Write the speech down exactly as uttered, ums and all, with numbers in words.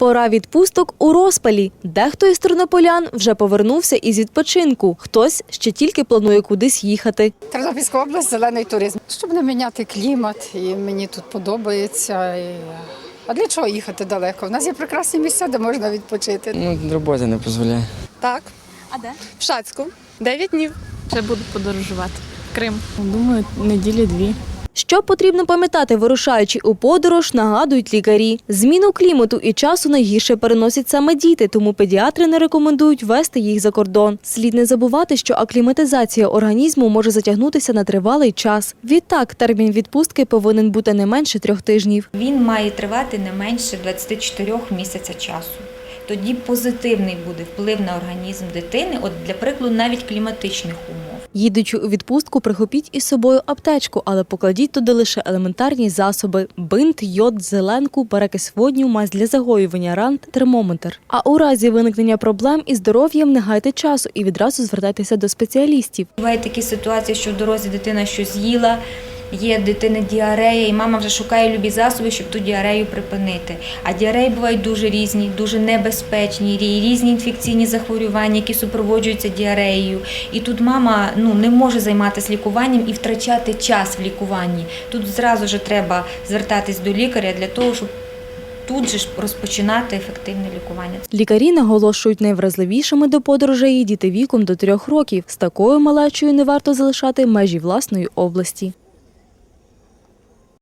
Пора відпусток у розпалі. Дехто із тернополян вже повернувся із відпочинку. Хтось ще тільки планує кудись їхати. Тернопільська область – зелений туризм. Щоб не міняти клімат, і мені тут подобається. І... А для чого їхати далеко? У нас є прекрасні місця, де можна відпочити. Ну, робота не дозволяє. Так. А де? В Шацьку. Дев'ять днів. Ще буду подорожувати. В Крим. Думаю, неділі-дві. Що потрібно пам'ятати, вирушаючи у подорож, нагадують лікарі. Зміну клімату і часу найгірше переносять саме діти, тому педіатри не рекомендують вести їх за кордон. Слід не забувати, що акліматизація організму може затягнутися на тривалий час. Відтак, термін відпустки повинен бути не менше трьох тижнів. Він має тривати не менше двадцяти чотирьох місяця часу. Тоді позитивний буде вплив на організм дитини, от для прикладу навіть кліматичних умов. Їдучи у відпустку, прихопіть із собою аптечку, але покладіть туди лише елементарні засоби – бинт, йод, зеленку, перекис водню, мазь для загоювання ран, термометр. А у разі виникнення проблем із здоров'ям не гайте часу і відразу звертайтеся до спеціалістів. Бувають такі ситуації, що в дорозі дитина щось з'їла, є в дитини діарея, і мама вже шукає любі засоби, щоб ту діарею припинити. А діареї бувають дуже різні, дуже небезпечні, різні інфекційні захворювання, які супроводжуються діареєю. І тут мама ну, не може займатися лікуванням і втрачати час в лікуванні. Тут зразу ж треба звертатись до лікаря для того, щоб тут же ж розпочинати ефективне лікування. Лікарі наголошують, найвразливішими до подорожей є діти віком до трьох років. З такою малечою не варто залишати межі власної області.